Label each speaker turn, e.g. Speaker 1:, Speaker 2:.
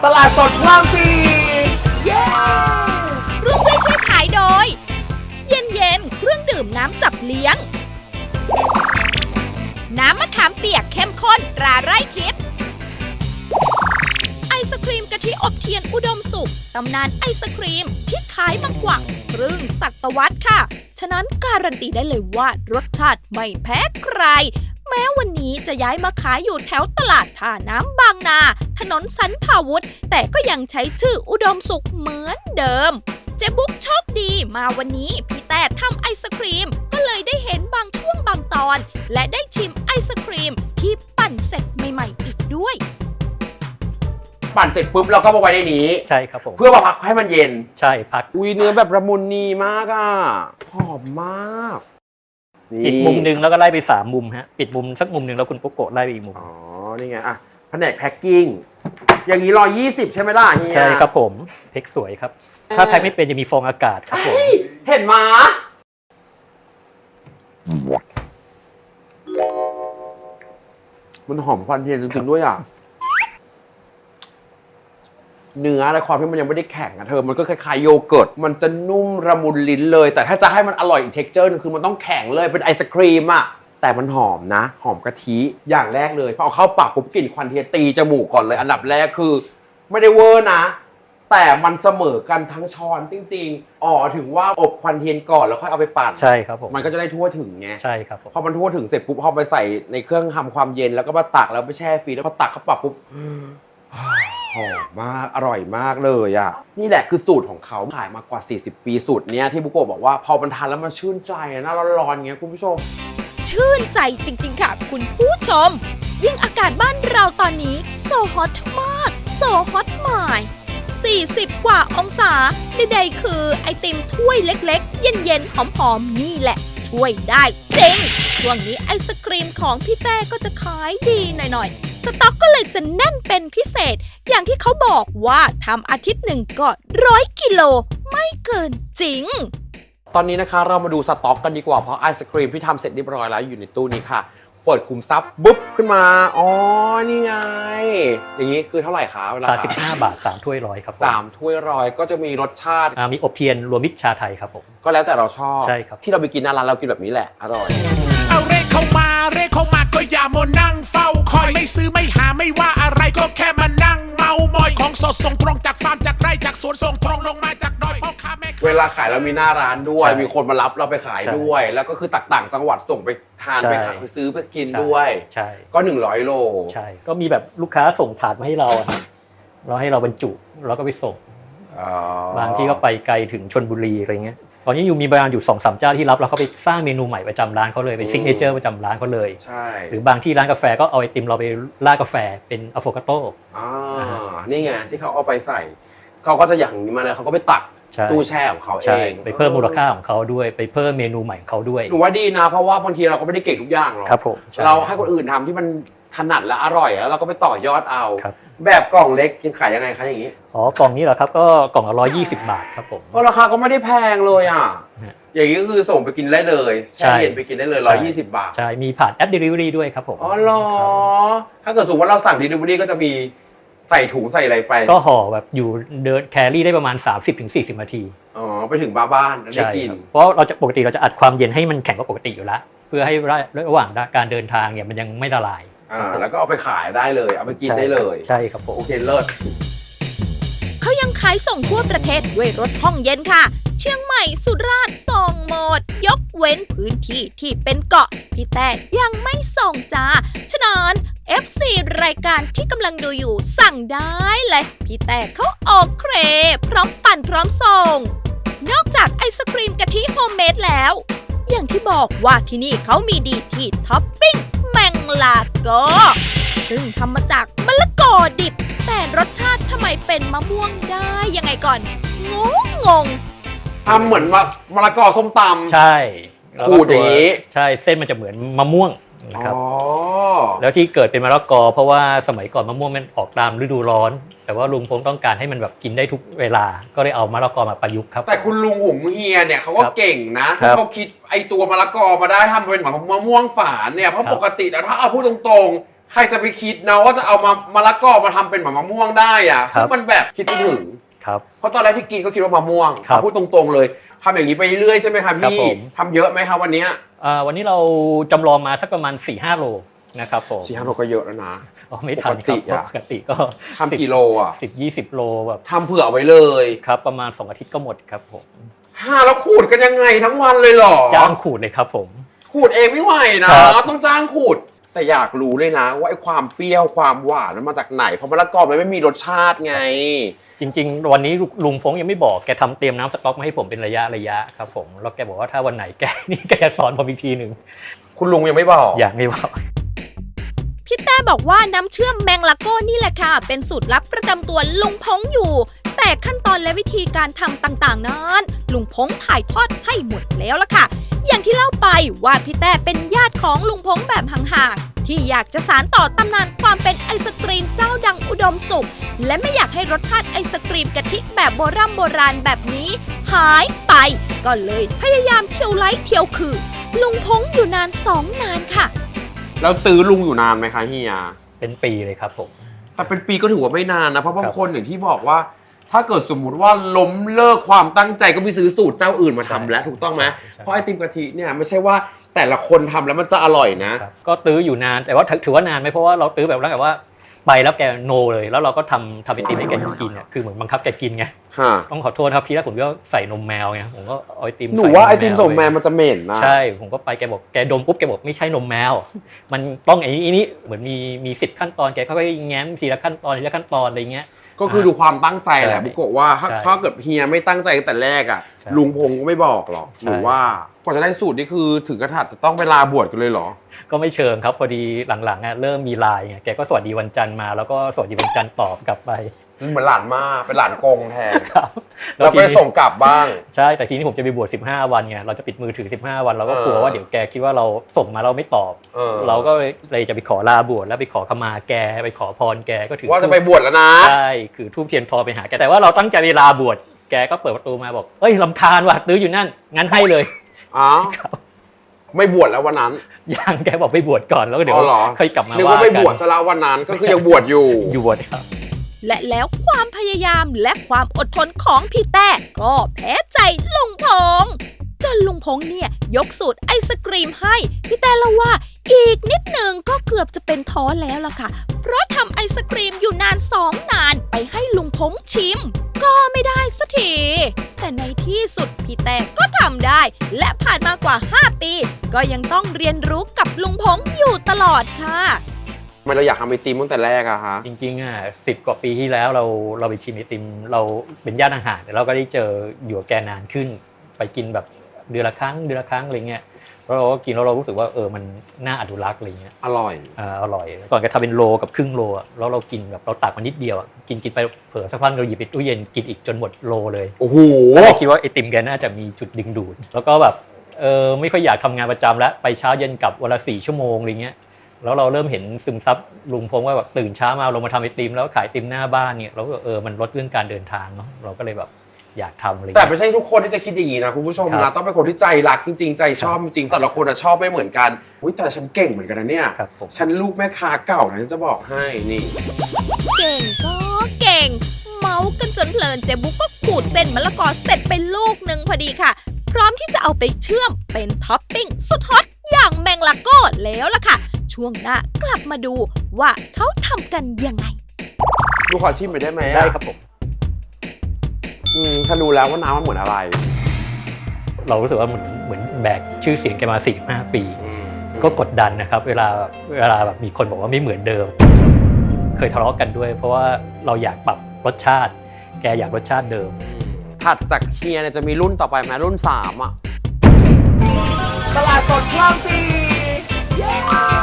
Speaker 1: ตลาดสดพระรามสี่
Speaker 2: เย้ร่วมด้วยช่วยขายโดย เย็นๆเครื่องดื่มน้ำจับเลี้ยง น้ำมะขามเปียกเข้มข้นตราไร่ทิพย์ไอศครีมกะทิอบเทียนอุดมสุขตำนานไอศครีมที่ขายมากว่าครึ่งศตวรรษค่ะฉะนั้นการันตีได้เลยว่ารสชาติไม่แพ้ใครแม้วันนี้จะย้ายมาขายอยู่แถวตลาดท่าน้ำบางนาถนนสันพาวุธแต่ก็ยังใช้ชื่ออุดมสุขเหมือนเดิมเจ๊บุ๊กโชคดีมาวันนี้พี่แต่ทำไอศครีมก็เลยได้เห็นบางช่วงบางตอนและได้ชิมไอศครีมที่ปั่นเสร็จใหม่ๆอีกด้วย
Speaker 1: ปั่นเสร็จปุ๊บเราก็มาไว้ในนี้
Speaker 3: ใช่ครับผม
Speaker 1: เพื่อมาพักให้มันเย็น
Speaker 3: ใช่พัก
Speaker 1: อุ้ยเนื้อแบบละมุนนีมากอ่ะหอมมาก
Speaker 3: ปิดมุมนึงแล้วก็ไล่ไป3มุมฮะปิดมุมสักมุมนึงแล้วคุณปุ๊กโกะไล่ไปอีกมุม
Speaker 1: อ๋อนี่ไงอ่ะแผนกแพ็คกิ้งอย่างนี้120ใช่ไหมล่ะเฮีย
Speaker 3: ใช่ครับผมแพ็คสวยครับถ้าแพ็คไม่เป็นจะมีฟองอากาศครับผม
Speaker 1: เห็นมามันหอมควันเทียนจริงๆด้วยอ่ะเนื้อและความที่มันยังไม่ได้แข็งอะเธอมันก็คล้ายๆโยเกิร์ตมันจะนุ่มระมุนลิ้นเลยแต่ถ้าจะให้มันอร่อยอีกเท็กเจอร์นึงคือมันต้องแข็งเลยเป็นไอศครีมอะแต่มันหอมนะหอมกะทิอย่างแรกเลยพอเอาเข้าปากปุ๊บกลิ่นควันเทียนตีจมูกก่อนเลยอันดับแรกคือไม่ได้เวอร์นะแต่มันเสมอกันทั้งช้อนจริงๆถึงว่าอบควันเทียนก่อนแล้วค่อยเอาไปปั่น
Speaker 3: ใช่ครับผม
Speaker 1: มันก็จะได้ทั่วถึงไง
Speaker 3: ใช่ครับผม
Speaker 1: พอมันทั่วถึงเสร็จปุ๊บพอไปใส่ในเครื่องทำความเย็นแล้วก็มาตักแล้วไปแช่ฟรีแล้วพอตักเข้าปากปุ๊บหอมมากอร่อยมากเลยอ่ะนี่แหละคือสูตรของเขาขายมากว่า40 ปีสูตรเนี้ยที่บุโกะบอกว่าพอมันทานแล้วมันชื่นใจหน้าร้อนๆเงี้ยคุณผู้ชม
Speaker 2: ชื่นใจจริงๆค่ะคุณผู้ชมยิ่งอากาศบ้านเราตอนนี้โซฮอตมากโซฮอตหมาย40 กว่าองศาใดๆคือไอติมถ้วยเล็กๆเย็นๆหอมๆนี่แหละช่วยได้จริงช่วงนี้ไอศกรีมของพี่แต่ก็จะขายดีหน่อยๆสต็อกก็เลยจะแน่นเป็นพิเศษอย่างที่เขาบอกว่าทำอาทิตย์หนึ่งก็100 กิโลไม่เกินจริง
Speaker 1: ตอนนี้นะคะเรามาดูสต็อกกันดีกว่าเพราะไอศกรีมที่ทำเสร็จเรียบร้อยแล้วอยู่ในตู้นี้ค่ะเปิดคุมทรัพย์บุ๊บขึ้นมานี่ไงอย่างนี้คือเท่าไหร่คะเวลา
Speaker 3: 35 บาท3 ถ้วย100ครับ
Speaker 1: 3 ถ้วย100ก็จะมีรสชาติ
Speaker 3: มีอบเทียนรวมมิตรชาไทยครับผม
Speaker 1: ก็แล้วแต่เราชอบ
Speaker 3: ใช่ครับ
Speaker 1: ที่เราไปกินหน้าร้านเรากินแบบนี้แหละอร่อย
Speaker 4: เอาเร่เข้ามาก็อย่ามัวนั่งเฝ้าคอยไม่ซื้อไม่หาไม่ว่าอะไรก็แค่มานั่งเมามอยของสดส่งตรงจากฟาร์มจากไร่จากสวนส่งตรงลงมาจากดอยพ่อค้าแม่
Speaker 1: เวลาขายเรามีหน้าร้านด้วยมีคนมารับเราไปขายด้วยแล้วก็คือต่างจังหวัดส่งไปทานไปขายไปซื้อไปกินด้วย
Speaker 3: ใช่
Speaker 1: ก็100 โล
Speaker 3: ใช่ก็มีแบบลูกค้าส่งถาดมาให้เราเราให้เราบรรจุแล้วก็ไปส่งบางที่ก็ไปไกลถึงชลบุรีอะไรเงี้ยตอนนี้อยู่มีบางอยู่ 2-3 เจ้าที่รับแล้วเขาไปสร้างเมนูใหม่ประจำร้านเขาเลยเป็นซิกเนเจอร์ประจำร้านเขาเลย
Speaker 1: ใช่
Speaker 3: หรือบางที่ร้านกาแฟก็เอาไอติมเราไปราดกาแฟเป็นอะโฟคาโต้
Speaker 1: นี่ไงที่เขาเอาไปใส่เขาก็จะอย่างนี้มาเลยเขาก็ไปตักตู้แช่ของเขาเอง
Speaker 3: ไปเพิ่มมูลค่าของเขาด้วยไปเพิ่มเมนูใหม่ของเขาด้วย
Speaker 1: หนูว่าดีนะเพราะว่าบางทีเราก็ไม่ได้เก่งทุกอย่างหรอก
Speaker 3: ครับผม
Speaker 1: เราให้คนอื่นทำที่มันถนัดและอร่อยแล้วเราก็ไปต่อยอดเอาแบบกล่องเล็กกินขายยังไงคะอย่างนี้
Speaker 3: กล่องนี้เหรอครับก็กล่องละ120 บาทครับผม
Speaker 1: ก็ราคาก็ไม่ได้แพงเลยอ่ะอย่างนี้ก็คือส่งไปกินได้เลยแช่เย็นไปกินได้เลย120 บาท
Speaker 3: ใช่มีผ่านแอป Delivery ด้วยครับผม
Speaker 1: เหรอถ้าเกิดสมมติว่าเราสั่ง Delivery ก็จะมีใส่ถุงใส่อะไรไป
Speaker 3: ก็ห่อแบบอยู่เดินแครี่ได้ประมาณ 30-40 นาที
Speaker 1: ไปถึงบ้านได้กิน
Speaker 3: เพราะเราจะปกติเราจะอัดความเย็นให้มันแข็งกว่าปกติอยู่แล้วเพื่อให้ระหว่างการเดินทางเนี่ยมันยังไม่ละลาย
Speaker 1: แล้วก็เอาไปขายได้เลยเอาไปกินได้เลย
Speaker 3: ใช่ครับผม
Speaker 1: โอเคเลิศ
Speaker 2: เขายังขายส่งทั่วประเทศด้วยรถห้องเย็นค่ะเชียงใหม่สุราษฎร์ส่งหมดยกเว้นพื้นที่ที่เป็นเกาะพี่แต่ยังไม่ส่งจ้าฉะนั้น FC รายการที่กำลังดูอยู่สั่งได้เลยพี่แต่เขาออกเครพร้อมปั่นพร้อมส่งนอกจากไอศกรีมกะทิโฮมเมดแล้วอย่างที่บอกว่าที่นี่เขามีดีที่ท็อปปิ้งแมงลาโกซึ่งทำมาจากมะละกอดิบแต่รสชาติทำไมเป็นมะม่วงได้ยังไงก่อนงง
Speaker 1: ทำเหมือนมะละกอส้มตำ
Speaker 3: ใช่
Speaker 1: ขูดอย่างนี้
Speaker 3: ใช่เส้นมันจะเหมือนมะม่วงนะครับแล้วที่เกิดเป็นมะละกอเพราะว่าสมัยก่อนมะม่วงมันออกตามฤดูร้อนแต่ว่าลุงผมต้องการให้มันแบบกินได้ทุกเวลาก็เลยเอามะละกอมาประยุกต์ครับ
Speaker 1: แต่คุณลุงหุงเฮียเนี่ยเขาก็เก่งนะเขาคิดไอตัวมะละกอมาได้ทำเป็นเหมือนมะม่วงฝานเนี่ยเพราะปกติแล้วถ้าเอาพูดตรงๆใครจะไปคิดนะว่าจะเอามะละกอมาทำเป็นแบบมะม่วงได้อ่ะซึ่งมันแบบคิดไม่ถึง
Speaker 3: ครับ
Speaker 1: เพราะตอนแรกที่กินก็คิดว่ามะม่วง
Speaker 3: ครับ
Speaker 1: พูดตรงๆเลยทำอย่างนี้ไปเรื่อยใช่ไหมครับ
Speaker 3: ครับ
Speaker 1: พี่
Speaker 3: ผม
Speaker 1: ทำเยอะไหมครับวันเนี้ย
Speaker 3: วันนี้เราจำลองมาสักประมาณ 4-5 โลนะครับผม
Speaker 1: 4-5 โลก็เยอะแล้วนะ
Speaker 3: อ๋อไม่ทันครับปกติก็
Speaker 1: ทำกี่โลอ่ะ
Speaker 3: 10-20 โลแบบ
Speaker 1: ทำเผื่อเอาไว้เลย
Speaker 3: ครับประมาณ2 อาทิตย์ก็หมดครับผม
Speaker 1: แล้วขูดกันยังไงทั้งวันเลยเหรอ
Speaker 3: จ้างขูดเลยครับผม
Speaker 1: ขูดเองไม่ไหวนะครับ ต้องจ้างขูด แต่อยากรู้เลยนะว่าไอ้ความเปรี้ยวความหวานมันมาจากไหนเพราะมะละกอมันไม่มีรสชาติไง
Speaker 3: จริงๆ วันนี้ลุงพงยังไม่บอกแกทำเตรียมน้ำสต๊อกมาให้ผมเป็นระยะครับผมแล้วแกบอกว่าถ้าวันไหนแกนี่แกจะสอนผมอีกทีหนึ่ง
Speaker 1: คุณลุงยังไม่บอก
Speaker 3: อย่างไม่บอก
Speaker 2: พี่แต้บอกว่าน้ำเชื่อมแมงลาโก้นี่แหละค่ะ เป็นสูตรลับประจำตัวลุงพงอยู่ แต่ขั้นตอนและวิธีการทำต่างๆนั้นลุงพงถ่ายทอดให้หมดแล้วล่ะค่ะ อย่างที่เล่าไปว่าพี่แต้เป็นญาติของลุงพงแบบห่างๆที่อยากจะสานต่อตำนานความเป็นไอศกรีมเจ้าดังอุดมสุข และไม่อยากให้รสชาติไอศกรีมกะทิแบบโบราณแบบนี้ หายไป ก็เลยพยายามเที่ยวไล่เที่ยวคือลุงพงอยู่นานนานค่ะ
Speaker 1: แล้วตื้อลุงอยู่นานไหมคะเฮีย
Speaker 3: เป็นปีเลยครับผม
Speaker 1: แต่เป็นปีก็ถือว่าไม่นานนะเพราะบาง
Speaker 3: ครับ
Speaker 1: คนอย่างที่บอกว่า ถ้าเกิดสมมุติว่าล้มเลิกความตั้งใจก็ไปซื้อสูตรเจ้าอื่นมาทำแล้วถูกต้องไหม
Speaker 3: ใช่
Speaker 1: เพราะไอติมกะทิเนี่ยไม่ใช่ว่าแต่ละคนทำแล้วมันจะอร่อยนะ
Speaker 3: ครับก็ตื้ออยู่นานแต่ว่าถือว่านานไหมเพราะว่าเราตื้อแบบแล้วแบบว่าไปแล้วแกโนเลยแล้วเราก็ทำไอติมให้แกกินเนี่ยคือเหมือนบังคับแกกินไง
Speaker 1: ฮะ
Speaker 3: ต้องขอโทษครับทีแรกผมก็ใส่นมแมวไงผมก็เอาไอติม
Speaker 1: หนู
Speaker 3: ใส่
Speaker 1: ว่าไอติมส่งแม
Speaker 3: ไป
Speaker 1: นมันจะเหม็นนะ
Speaker 3: ใช่ผมก็ไปแกบอกแกดมปุ๊บแกบอกไม่ใช่นมแมว มันต้องไอ้นี้เหมือนมี10 ขั้นตอนแกค่อยๆแง้มทีละขั้นตอนอะไรเงี้ย
Speaker 1: ก็คือดูความตั้งใจแหละ
Speaker 3: ใช่
Speaker 1: บุกโกะว่า
Speaker 3: ใช่
Speaker 1: ถ้าเกิดเฮียไม่ตั้งใจตั้งแต่แรกอ่ะ
Speaker 3: ใช่
Speaker 1: ลุงพงก็ไม่บอกหรอก
Speaker 3: ใช่
Speaker 1: หรือว่ากว่าจะได้สูตรนี่คือถึงกระถัดจะต้องไปลาบวชกันเลยเหรอ
Speaker 3: ก็ไม่เชิงครับพอดีหลังๆเริ่มมีไลน์ไงแกก็สวัสดีวันจันทร์มาแล้วก็สวัสดีวันจันทร์ตอบกลับไป
Speaker 1: เหมือนหลานมาเป็นหลานกงแทน
Speaker 3: ครับ
Speaker 1: แล้วก็
Speaker 3: ที
Speaker 1: ไป
Speaker 3: นี้
Speaker 1: ส่งกลับบ้าง
Speaker 3: ใช่แต่ทีนี้ผมจะไปบวช15 วันไงเราจะปิดมือถือ15 วันเราก็กลัวว่าเดี๋ยวแกคิดว่าเราส่งมาเราไม่ตอบ เราก็เลยจะไปขอลาบวชแล้วไปขอขมาแกไปขอพรแกก็ถือ
Speaker 1: ว่าจะไปบวชแล้วนะ
Speaker 3: ใช่คือทูบเทียนทอไปหาแกแต่ว่าเราตั้งใจเวลาบวชแกก็เปิดประตูมาบอกเอ้ยรำคาญว่ะตื้ออยู่นั่นงั้นให้เลย
Speaker 1: อ๋อไม่บวชแล้ววันนั้น
Speaker 3: ยังแกบอกไปบวชก่อนแล้วก็เดี๋ยว
Speaker 1: อ๋อเหรอ
Speaker 3: ค่อยกลับมา
Speaker 1: นึก
Speaker 3: ว่า
Speaker 1: ว่าไม่
Speaker 3: กับ
Speaker 1: วชซะแล้ววันนั้นก็คือยังบวชอยู่
Speaker 3: อยู่บวชครับ
Speaker 2: และแล้วความพยายามและความอดทนของพี่แต้ก็แพ้ใจลุงพงจนลุงพงเนี่ยยกสูตรไอศกรีมให้พี่แต้เล่าว่าอีกนิดหนึ่งก็เกือบจะเป็นท้อแล้วล่ะค่ะ เพราะทำไอศกรีมอยู่นานไปให้ลุงพงชิม ก็ไม่ได้สักที แต่ในที่สุดพี่แต้ก็ทำได้ และผ่านมากว่า 5 ปี ก็ยังต้องเรียนรู้กับลุงพงอยู่ตลอดค่ะ
Speaker 1: ทำไมเราอยากทำไอติมตั้งแต่แรกอะคะ
Speaker 3: จริงๆ10 กว่าปีที่แล้วเราไปชิมไอติมเราเป็นญาติห่างๆแต่เราก็ได้เจออยู่กับแกนานขึ้น ไปกินแบบเดือนละครั้งอะไรเงี้ยแล้วเราก็กินแล้วเรารู้สึกว่ามันน่าอนุรักษ์อะไรเงี้ย
Speaker 1: อร่อย
Speaker 3: อร่อยก่อนแกทำเป็นโลกับครึ่งโลอะแล้วเรากินแบบเราตักมานิดเดียวอะกินไปเผลอสักพักเราหยิบไปตู้เย็นกินอีกจนหมดโลเลย
Speaker 1: โอ้โห
Speaker 3: ก็คิดว่าไอติมแกน่าจะมีจุดดึงดูดแล้วก็แบบไม่ค่อยอยากทำงานประจำแล้วไปเช้าเย็นกลับวันละ4 ชั่วโมงอะไรเงี้ยแล้วเราเริ่มเห็นซึมซับลุงพงว่าแบบตื่นเช้ามาลงมาทำไอติมแล้วขายไอติมหน้าบ้านเนี่ยเราก็มันลดเรื่องการเดินทางเนาะเราก็เลยแบบอยากทำอะไร
Speaker 1: แต่ไม่ใช่ทุกคนที่จะคิดอย่างนี้นะคุณผู้ชม
Speaker 3: ครั
Speaker 1: นะ
Speaker 3: บ
Speaker 1: ต้องเป็นคนที่ใจรักจริงๆ ใจชอบจริงๆแต่ละคนชอบไม่เหมือนกันอุ้ยแต่ฉันเก่งเหมือนกันนะเนี่ย
Speaker 3: ครับผม
Speaker 1: ฉันลูกแม่ค้าเก่านะฉันจะบอกให้นี่
Speaker 2: เก่งก็เก่ง เมากันจนเพลินเจบุ๊กก็ขูดเส้นมะละกอเสร็จไปลูกหนึ่งพอดีค่ะ พร้อมที่จะเอาไปเชื่อมเป็นท็อปปิ้งสุดฮอตอย่างแมงลาโก้แล้วล่ะค่ะ ช่วงหน้ากลับมาดูว่าเขาทำกันยังไง
Speaker 1: ดูขอชิมไปได้ไหมอะ
Speaker 3: ได้ครับผม
Speaker 1: ฉันรู้แล้วว่าน้ำมันเหมือนอะไร
Speaker 3: เรารู้สึกว่าเหมือนแบกชื่อเสียงแกมา45 ปี ก็กดดันนะครับเวลาแบบมีคนบอกว่าไม่เหมือนเดิม เคยทะเลาะกันด้วย เพราะว่าเราอยากปรับรสชาติ แกอยากรสชาติเดิม
Speaker 1: ถัดจากเฮียเนี่ยจะมีรุ่นต่อไปไหมรุ่น3อ่ะตลาดสดคลอง4